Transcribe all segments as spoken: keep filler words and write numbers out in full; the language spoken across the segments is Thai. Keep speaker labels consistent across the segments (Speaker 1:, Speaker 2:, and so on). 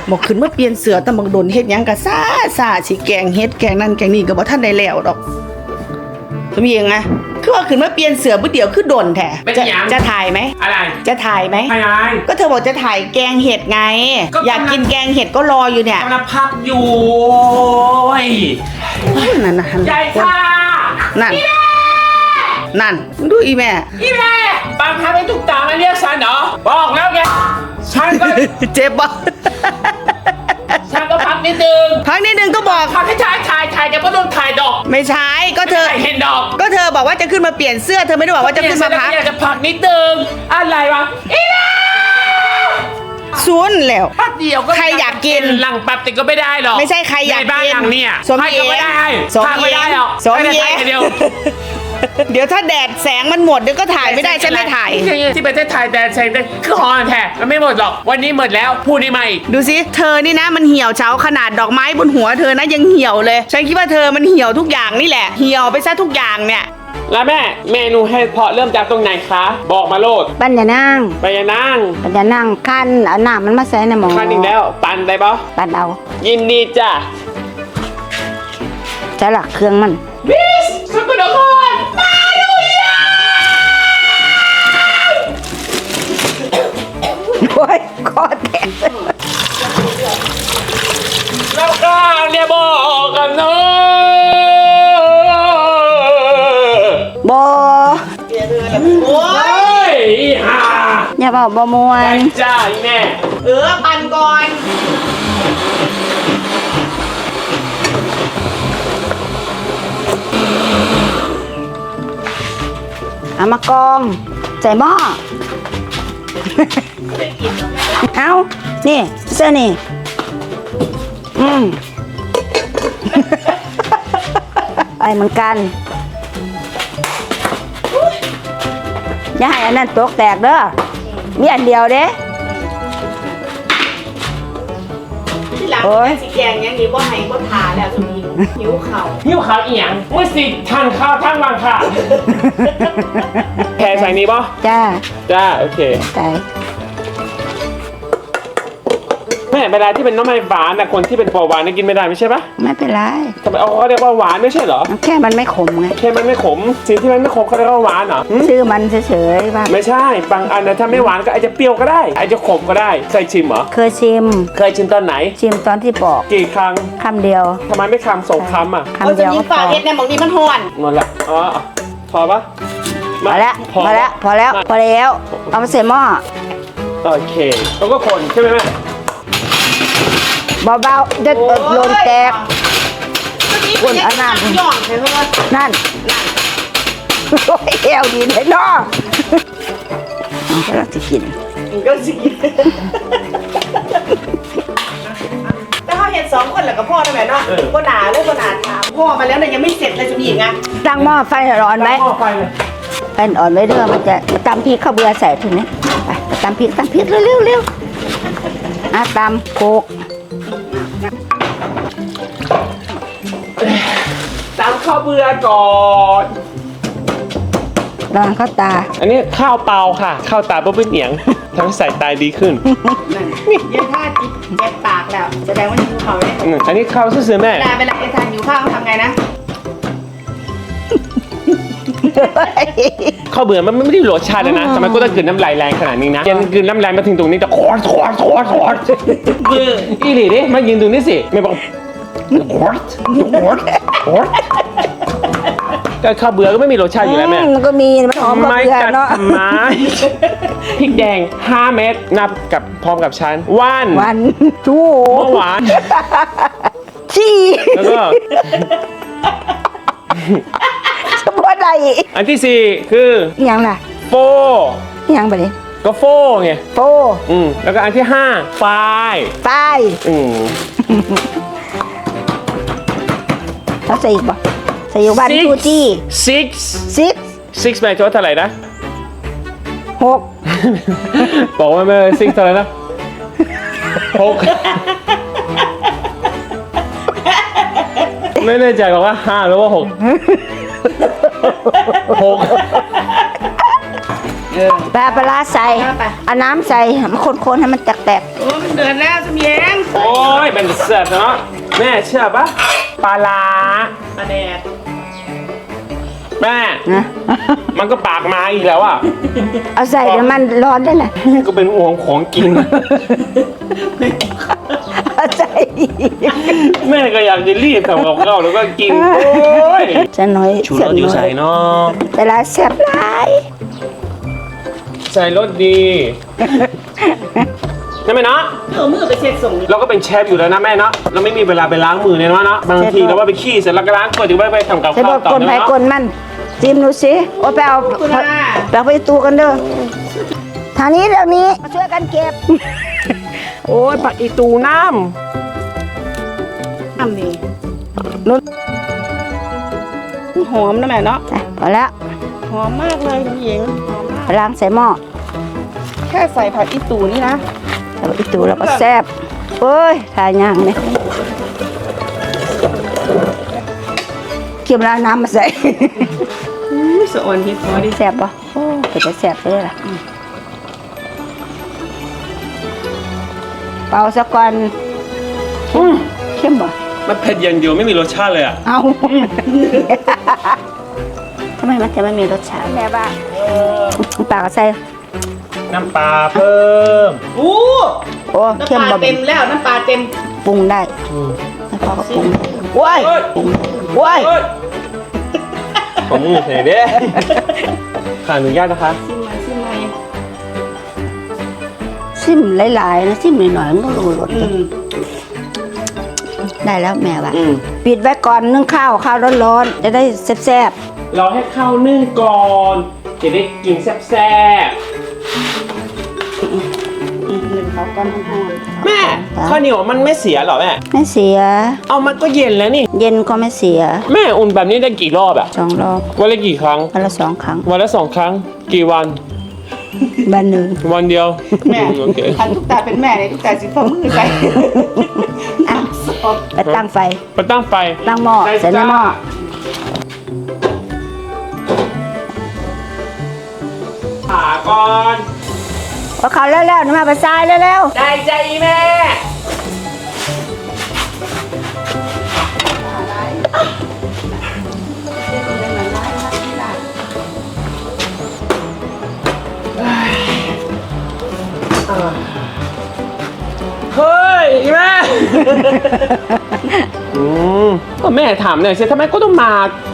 Speaker 1: บอกขึ้นมาเปลี่ยนเสือแต่บังโดนเฮ็ดหยังกะซ่าซ่าสิแกงเฮ็ดแกงนั่นแกงนี่ก็บ่ทันได้แล้วดอกสมเองนะคือว่าขึ้นมาเปลี่ยนเสือบ่เดียวคือโดนแท้จะจะถ่ายไหม
Speaker 2: อะไร
Speaker 1: จะถ่ายไหม
Speaker 2: อะไร
Speaker 1: ก็เธอบอกจะถ่ายแกงเห็ดไงอยากกินแกงเห็ดก็รออยู่เนี่ย
Speaker 2: กำลังพักอยู่
Speaker 1: นั่นนะ
Speaker 2: ใหญ่ค่ะ
Speaker 1: นั่นนั่นดูอีแม่
Speaker 2: อีแม่บางครั้งไม่ถูกตามาเรียกฉันเหรอบอกแล้วไงฉันก็
Speaker 1: เจ็บปะ
Speaker 2: ฉันก็พักนิดนึง
Speaker 1: พักนิดนึงก็บอก
Speaker 2: พักให้ถ่ายถ่ายถ่ายจะไม่ต้องถ่ายดอก
Speaker 1: ไม่ใช่ก็เธอ
Speaker 2: เห็นดอก
Speaker 1: ก็เธอบอกว่าจะขึ้นมาเปลี่ยนเสื้อเธอไม่ได้บอกว่าจะขึ้นมาพัก
Speaker 2: อยากจะพักนิดนึงอะไรวะอีแม่
Speaker 1: ซุนแล้ว
Speaker 2: พักเดียวก็
Speaker 1: ใครอยากกิน
Speaker 2: หลังแป๊บติก็ไม่ได้หรอก
Speaker 1: ไม่ใช่ใครอยากกิน
Speaker 2: ในบ้านหลังเนี่ย
Speaker 1: สมเย็น
Speaker 2: ไม่ได้
Speaker 1: สมเย็น
Speaker 2: ไม่ได้หรอก
Speaker 1: สมเย็น
Speaker 2: เดียว
Speaker 1: เดี๋ยวถ้าแดดแสงมันหมดเดี๋ยวก็ถ่ายไม่ได้ฉันไม่ถ่าย
Speaker 2: ที่ประเทศไทยแดดแสงได้คือฮอนแท้มันไม่หมดหรอกวันนี้หมดแล้วพูดได้ไหม
Speaker 1: ดูสิเธอนี่นะมันเหี่ยวเฉาขนาดดอกไม้บนหัวเธอนะยังเหี่ยวเลยฉันคิดว่าเธอมันเหี่ยวทุกอย่างนี่แหละเหี่ยวไปซะทุกอย่างเนี่ย
Speaker 2: แล้วแม่เมนูเห็ดเพาะเริ่มจากตรงไหนคะบอกมาโลด
Speaker 3: ปัญญานั่ง
Speaker 2: ปัญญานั่ง
Speaker 3: ปัญญานั่งขั้นเอาหน้ามันมาใส่ในหม้อ
Speaker 2: ขั้นอีกแล้วปั่นได้ปะ
Speaker 3: ปั่นเอา
Speaker 2: ยินดีจ้ะ
Speaker 3: จะหลักเครื่องมัน
Speaker 2: บิสสกุลนครมาดูยา
Speaker 3: โอ้ยคอแตก
Speaker 2: แล้วก็เนี่ยบอกกันเนาะ
Speaker 3: บอ
Speaker 1: โอ้
Speaker 2: ยฮ่า
Speaker 3: อย่าบอกบอมวน
Speaker 2: จ้าแม่
Speaker 1: เออปั่นก่อน
Speaker 3: เอามากองใส่หม้อเอานี่เสื้อนี่อืมไปเหมือนกันอย่าให้อันนั้นตกแตกเด้อมีอันเดียวเด้
Speaker 1: ที่หลังสีแกงยังนี้ว่าให้ว่าทาแล้วสุนีหิวเข่า
Speaker 2: หิวข้าวอีหยังเมื่อสิทานข้าวทั้งวันค่ะแค่ใส่นี้ป่ะ
Speaker 3: จ้า
Speaker 2: จ้าโอเค
Speaker 3: ใส่
Speaker 2: แม่เวลาที่เป็นน้ำมันหวานนะคนที่เป็นเบาหวานนี่กินไม่ได้ไม่ใช่ปะ
Speaker 3: ไม่เป็นไร
Speaker 2: ทำไมเอาเขาเรียกว่าหวานไม่ใช่เหรอ
Speaker 3: แค่มันไม่ขมไง
Speaker 2: แค่มันไม่ขมสิ่งที่มันไม่ขมเขาเรียกว่าหวานเหรอ
Speaker 3: ชื่อมันเฉยๆป่ะ
Speaker 2: ไม่ใช่บางอันนะถ้าไม่หวานก็อาจจะเปรี้ยวก็ได้อาจจะขมก็ได้เคยชิมเหรอ
Speaker 3: เคยชิม
Speaker 2: เคยชิมตอนไหน
Speaker 3: ชิมตอนที่ปอก
Speaker 2: กี่ครั้ง
Speaker 3: คำเดียว
Speaker 2: ทำไมไม่คำสองคำอ่ะ
Speaker 3: คำเดียว
Speaker 1: ก็พอเฮ็ดในหมองนี้มันห่อน
Speaker 2: หมดละอ๋อพอปะ
Speaker 3: พอแล้วพอแล้วพอแล้วพอแล้วเอามาใส่หม้อ
Speaker 2: โอเคแล้วก็คนใช่ไหมแม่
Speaker 3: เบาๆจะโดนแตกคนอันนั้นนั่นโอ้ยเอวดีเลยเนาะก็จะกิน
Speaker 1: ก็สิกินแต่เขาเห็นสองคนแหละกับพ่อทำไมเนาะก็หนาเลยก็หนาถามพ่อมาแล้วเนี่ยยังไม่เสร็จเลยจะมีอีกไง
Speaker 3: ตั้งหม้อไฟร้อนไหม
Speaker 2: ตั้งหม้อไฟเลย
Speaker 3: ไฟอ่อนไว้เด้อมันจะตำพริกข้าวเบื่อใส่ทีนี้ไปตำพริกตำพริกเร็วเร็วเร็วอ่ะตำโคก
Speaker 2: ตำข้าวเบื่อก่อน
Speaker 3: ลองข้าวตา
Speaker 2: อันนี้ข้าวเปล่าค่ะข้าวตาเพื่อเหนียงทำให้สายตาดีขึ้น
Speaker 1: นี่ยังท่าเจ็บปากแล้วแสดงว่าหิวข้าวเนี่ย
Speaker 2: อันนี้ข้าวซื่อๆแม่
Speaker 1: เวลาเวลาไอ้ทานหิวข้าวทำไงนะ
Speaker 2: ข้าวเบื่อมันไม่ได้รสชาติเลยนะทำไมก็ต้องกลืนน้ำลายแรงขนาดนี้นะยังกลืนน้ำลายมาถึงตรงนี้จะคอร์สคอร์สคอร์สคอร์สเบื่ออีหลีดิมายืนตรงนี้สิไม่บอกคอร์สคอร์สคอร์สก็ข้าวเบื่อก็ไม่มีรสชาติอยู่แล้วแม่
Speaker 3: มันก็มีมันหอมกับเบื่อเนาะ
Speaker 2: ไม้พริกแดงห้าเม็ดนับกับพร้อมกับชั้นวัน
Speaker 3: วันทู
Speaker 2: เมื่อวาน
Speaker 3: ชี
Speaker 2: แล้วก็
Speaker 3: สมบูรณ์ใด
Speaker 2: อันที่สี่คือ
Speaker 3: ยังล่ะ
Speaker 2: โฟ
Speaker 3: ยังไปเลย
Speaker 2: ก็โฟไง
Speaker 3: โฟ
Speaker 2: อืมแล้วก็อันที่ห้าไฟ
Speaker 3: ไฟ
Speaker 2: อืม
Speaker 3: แล้วใส่อีกป่ะใส่อยู่บ้านทูจี
Speaker 2: six
Speaker 3: six
Speaker 2: six หมายถึงเท่าไหร่นะ
Speaker 3: หก
Speaker 2: บอกว่าไม่ six เท่าไหร่นะหกไม่แน่ใจบอกว่าห้าหรือว่าหกหก
Speaker 3: ปลาปลาใส่เอาน้ำใส่มันคนๆให้มันแตก
Speaker 1: ๆโอ้มันเดือดแล้วสมียง
Speaker 2: โอ้ยเป็นเสิร์ฟเนาะแม่เชื่อปะปลาลา
Speaker 1: ปลาแดด
Speaker 2: แม่
Speaker 3: นะ
Speaker 2: มันก็ปากมาอีกแล้วอ่ะ
Speaker 3: เอาใส่น้ำมันร้อนได้แหละ
Speaker 2: ก็เป็นห่วงของกิน
Speaker 3: เอาใส่
Speaker 2: แม่ก็อยากจะรีบทำกับข้าวแล้วก็กินโอ้ย
Speaker 3: จะน้อย
Speaker 2: ชูรสอยู่ใส่เนาะ
Speaker 3: เวลาแซ่บหลาย
Speaker 2: ใส่รสดีใช่ไหมเนาะ
Speaker 1: เอามือไปเช็ดส่ง
Speaker 2: เราก็เป็นเชฟอยู่แล้วนะแม่เนาะเราไม่มีเวลาไปล้างมือเนี่ยเนาะเนาะบางทีเราว่าไปขี้เสร็จแล้วก็ล้างก่อนถึงไปไปทำกับ
Speaker 3: ใส่บ
Speaker 2: ข้า
Speaker 3: อ
Speaker 2: ว
Speaker 3: ก
Speaker 2: ต่อ
Speaker 3: คนไผ
Speaker 2: เนาะ
Speaker 3: คนมันจิ้มดูสิโอ้ไปเอาไปเอาไปตูกันเด้อทางนี้เดี๋ยวนี้มาช่วยกันเก็บ
Speaker 2: โอ้ยผักอีตูน้
Speaker 1: ทำนี่นุ่นหอมนะแม่เนาะ
Speaker 3: อ่ะพอแล้ว
Speaker 1: หอมมากเลยคุณหญิงหอมมาก
Speaker 3: ล้างใส่หม้อ
Speaker 1: แค่ใส่ผักอีตูนี่นะ
Speaker 3: แล้วอีตูแล้วก็แซ่บเอ้ยทายย่างเนี่ยเกี่ยวแล้วน้ำมาใส่
Speaker 1: อุ้ยสะออนเฮ็ดพอดิ
Speaker 3: แซ่บปะโอ้เป็นจะแซ่บเลยล่ะเป่าสักก่อน
Speaker 2: ำอืม
Speaker 3: เข้มบ่
Speaker 2: มันเผ็ดอย่างเดียวไม่มีรสชาติเลยอ่ะ
Speaker 3: เอาทำไมมันจะไม่มีรสชาติแม่บ้าปากก็ใส่
Speaker 2: น้ำปลาเพิ่ม
Speaker 1: อู้
Speaker 3: โอ้
Speaker 1: น้ำ
Speaker 3: เข้ม
Speaker 1: ปลา
Speaker 3: บ่
Speaker 1: เต็มแล้วน้ำปลาเต็ม
Speaker 3: ปรุงได้
Speaker 2: อืม
Speaker 3: แล้วพ่อก็ปรุงว้าย
Speaker 2: เฮ้ย
Speaker 3: ว้าย
Speaker 2: เฮ้ยผมมือใส่เด้ขออนุญาตนะคะ
Speaker 1: ชิมมาชิมมา
Speaker 3: ซิมหลายๆนะซิมหน่อยๆมันก็รู้รส
Speaker 1: อืม
Speaker 3: ได้แล้วแม่ว่า
Speaker 2: อืม
Speaker 3: ปิดไว้ก่อนนึ่งข้าวข้าวร้อนๆจะได้แซ่บ
Speaker 2: เราให้ข้าวนึ่งก่อนจะได้กินแซ่บ
Speaker 1: อืมหนึ่งเขาก้อนหอม
Speaker 2: ๆแม่ข้าวเหนียวมันไม่เสียเหรอแม่
Speaker 3: ๆไม่เสีย
Speaker 2: เอามันก็เย็นแล้วนี่
Speaker 3: เย็นก็ไม่เสีย
Speaker 2: แม่อุ่นแบบนี้ได้กี่รอบอะ
Speaker 3: สองรอบ
Speaker 2: วันละกี่ครั้ง
Speaker 3: วันละสองครั้ง
Speaker 2: วันละสองครั้ง กี่วัน
Speaker 3: วันหนึ่ง
Speaker 2: วันเดียว
Speaker 1: แม่
Speaker 2: โอเค
Speaker 1: ทันทุกตาเป็นแม่เลยทุกตาสิฝ่ามือใส่
Speaker 3: อ่ะไปตั้งไฟ
Speaker 2: ไปตั้งไฟ
Speaker 3: ตั้งหม้อใส่ในหม้อ
Speaker 2: ผ่าก่อน
Speaker 3: เอาเขาแล้วๆนี่มาไปซ้ายแล้ว
Speaker 2: ได้ใจแม่เฮ้ยแม่ อืมก็แม่ถามหน่อยสิทำไมก็ต้องมา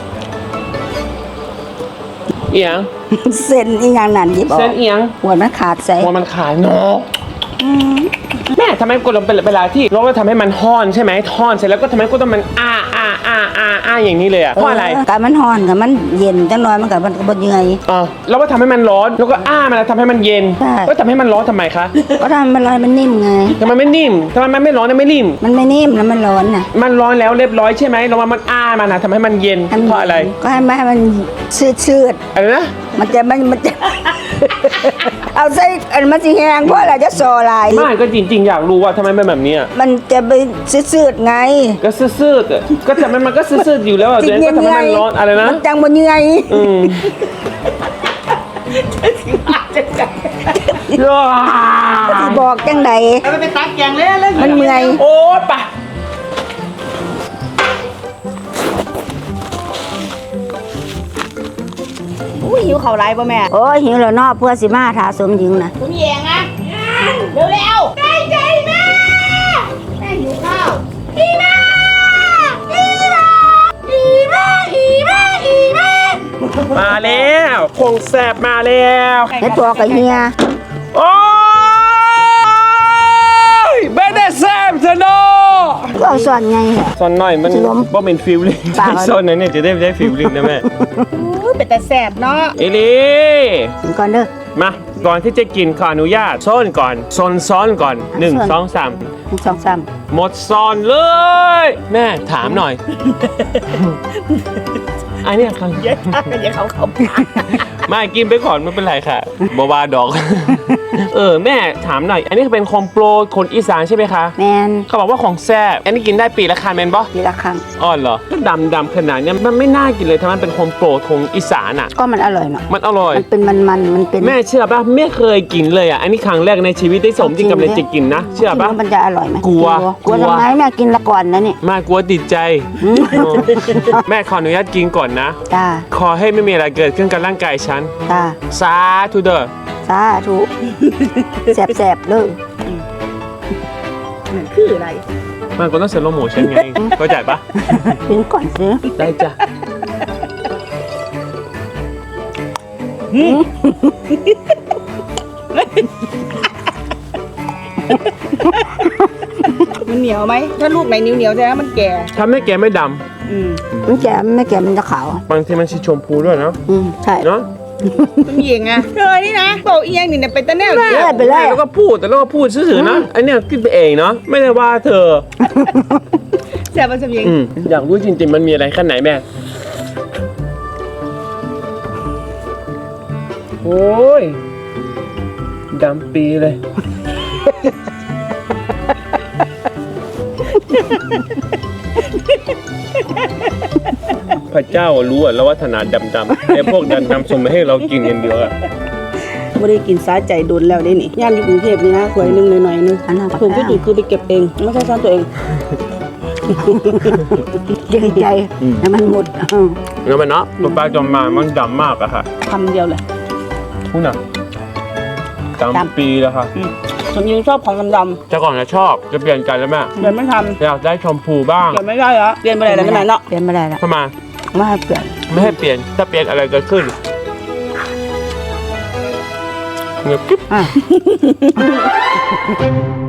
Speaker 2: เอียง
Speaker 3: ๆเส้นอีหยังนั่นหยิบออก
Speaker 2: เส้นเอียง
Speaker 3: หัวมันขาดใส่
Speaker 2: หัวมันขายเนาะแม่ทำไมกดลงเป็นเวลาที่เราก็ทำให้มันห่อนใช่ไหมห่อนเสร็จแล้วก็ทำให้ก็ต้องมันอ้าอ้าอ้าอ้าอ้าอย่างนี้เลยอะเพราะอะไร
Speaker 3: การมันร้อนกับมันเย็นจังน้อยมันกับมันก็บ่เหนื่อย
Speaker 2: อ๋อเราก็ทำให้มันร้อนแล้วก็อ้ามันแล้วทำให้มันเย็น
Speaker 3: ใช่
Speaker 2: ก็ทำให้มันร้อนทำไมคะ
Speaker 3: เพราะถ้ามันร้อนมันนิ่มไง
Speaker 2: ทำไมไม่นิ่มทำไมมันไม่ร้อนไม่นิ่ม
Speaker 3: มันไม่นิ่มแล้วมันร้อนน่ะ
Speaker 2: มันร้อนแล้วเรียบร้อยใช่ไหมเราว่ามันอ้ามันนะทำให้มันเย็น
Speaker 3: ให้มัน
Speaker 2: เพราะอะไร
Speaker 3: ก็ให้มันให้มันชืด
Speaker 2: อะไรนะ
Speaker 3: ๆมันจะมันมันจะ เอาใส่อันมันสิแห้งเพราะอะไรจะซอลาย
Speaker 2: ไม่ก็จริงๆอยากรู้ว่าทำไมเป็นแบบนี้อะ
Speaker 3: มันจะไปชืดๆไง
Speaker 2: ก็ซื่อๆอะก็ทำไมมันก็ซื่อๆอยู่แล้วอะเดี๋ยวก็ทำให้มันร้อนอะไรนะ
Speaker 3: มันจังบ่เหนื่อย
Speaker 2: อืม
Speaker 3: สิบอกจังได
Speaker 1: เอาไปเป็นตักแกงเลยเลย
Speaker 3: มันเมื่อย
Speaker 2: โอ้ยไป
Speaker 1: อุ้ยหิวข้าวไรป่ะแม่
Speaker 3: โอ้ยหิวแล้วเนาะเพื่อสิมาถาสมหญิงน่ะ
Speaker 1: คุณแยงอะเร็วเร็วๆได้ใจแม่แม่หิวข้าวอีแม่อีแม่อีแม่อีแม่อีแม่
Speaker 2: มาแล้วคงแสบมาแล้ว
Speaker 3: เฮ็ดตัวกับเฮีย
Speaker 2: โอ้ยไม่ได้แสบเถอะเนาะ
Speaker 3: ก็เอาส่วนไงเหรอ
Speaker 2: ซอนหน่อยมัน
Speaker 3: จะล้ม
Speaker 2: บ่เป็นฟิลลิ่ง
Speaker 3: ปากเอา
Speaker 2: ซอนนั้นเนี่ยจะได้ได้ฟิลลิ่งนะแม่
Speaker 1: อุ้ยเป็นแต่แสบเนาะ
Speaker 2: เอลี
Speaker 3: กินก่อนเด้อ
Speaker 2: มาก่อนที่จะกินขออนุญาตซ้อนก่อนซ้อนซ้อนก่อนหนึ่ง
Speaker 3: ซ้อน
Speaker 2: สองสาม
Speaker 3: หนึ่งสองสาม
Speaker 2: หมดซ้อนเลย แม่ถามหน่อย อันเนี้ยครั้ง
Speaker 1: เยอะมากเลยเขาเขา
Speaker 2: ไม่กินไปก่อนไม่เป็นไรค่ะบาวาดอกเออแม่ถามหน่อย อันนี้เป็นคอมโปรคนอีสานใช่ไหมคะ
Speaker 3: แมน
Speaker 2: เขาบอกว่าของแซ่บอันนี้กินได้ปีละครั้งแมนบอ
Speaker 3: ปีละครั้ง
Speaker 2: อ๋อเหรอก็ดำดำขนาดเนี้ยมันไม่น่ากินเลยทำไมมันเป็นคอมโปรของอีสานอ่ะ
Speaker 3: ก็มันอร่อยเนาะ
Speaker 2: มันอร่อย
Speaker 3: มันเป็นมันมันๆมันเป็น
Speaker 2: แม่เชื่อป่ะไม่เคยกินเลยอ่ะอันนี้ครั้งแรกในชีวิตได้สมที่กำลังจะกินนะเชื่อป่ะ
Speaker 3: กินแล้วมันจะอร่อยไหม
Speaker 2: กลัว
Speaker 3: กลัว
Speaker 2: กลัว
Speaker 3: ทำไมแม่กินละก่อนนะนี่
Speaker 2: แม่กลัวติดใจเออแม่ขออนุญาตกินก่อนนะ
Speaker 3: จ้า
Speaker 2: ขอให้ไม่มีอะไรเกิดขึ้นกับร่างกายฉัน
Speaker 3: จ้า
Speaker 2: สาธุเด้อ
Speaker 3: สาธุแสบๆเลย
Speaker 1: นั่นคืออะไร
Speaker 2: มันก็ต้องเซโลโมชั่นไงเข้าใจปะ
Speaker 3: กินก่อนสิ
Speaker 2: ได้จ้ะ
Speaker 1: มันเหนียวไหมถ้าลูกไหนนิ้วเหนียวแสดงว่ามันแก่
Speaker 2: ทำให้แกไม่ด
Speaker 1: อืม
Speaker 3: มันแก่ไม่แก่มันจะขาว
Speaker 2: ำบางทีมันสีชมพูด้วยเนาะ
Speaker 3: อืมใช่
Speaker 2: เนาะ
Speaker 1: คุณหญิงอะเธอนี่นะเบาเอียงนี่เนี่ยเป็นตะแนว
Speaker 3: เออไปเลย
Speaker 2: แล้วก็พูดแต่แล้วก็พูดซื่อๆนะไอเนี่ยคิดไปเองเนาะไม่ได้ว่าเธอ
Speaker 1: แซ่บมันสมหญิง
Speaker 2: อืมอยากรู้จริงๆมันมีอะไรขั้นไหนแม่โอ้ยดำปีเลย พระเจ้ารู้อะแล้วว่าถนัดดำๆไอ้พวกดำๆส่งมาให้เรากินกันเดียวอะ
Speaker 1: ไม่ได้กินสาใจโดนแล้วได้นี่ย่านอยู่กรุงเทพนี่นะถ้วยหนึงหน่อยๆนึง
Speaker 3: อันนั้นก็
Speaker 1: ถูกที่ถูกคือไปเก็บเองไม่ใช่ซ่อนตัวเอง
Speaker 3: เกรงใจให้มันหมดอืม
Speaker 2: แล้วมันเนาะตัวปลาจอมมามันดำมากอะค่ะ
Speaker 1: คำเดียวเลย
Speaker 2: พูดหนักดำปีแล้วค่ะ
Speaker 1: อืมสมหญิงชอบของดำ
Speaker 2: แต่ก่อนจะชอบจะเปลี่ยนใจแล้วแม่
Speaker 1: ๆเดี๋ยวไม่ท
Speaker 2: อยากได้ชมพูบ้าง
Speaker 1: ำเดี๋ยวไม่ได้แล้วเรียนไปไหนแล้วไม่ไหนเนาะ
Speaker 3: เปลี่ยนไม่ได้ละ
Speaker 2: ทำไม
Speaker 3: ไม่ให้เปลี่ยน
Speaker 2: ไม่ให้เปลี่ยนถ้าเปลี่ยนอะไรเกิดขึ้นเงียบกิ๊บ
Speaker 3: อ่ะ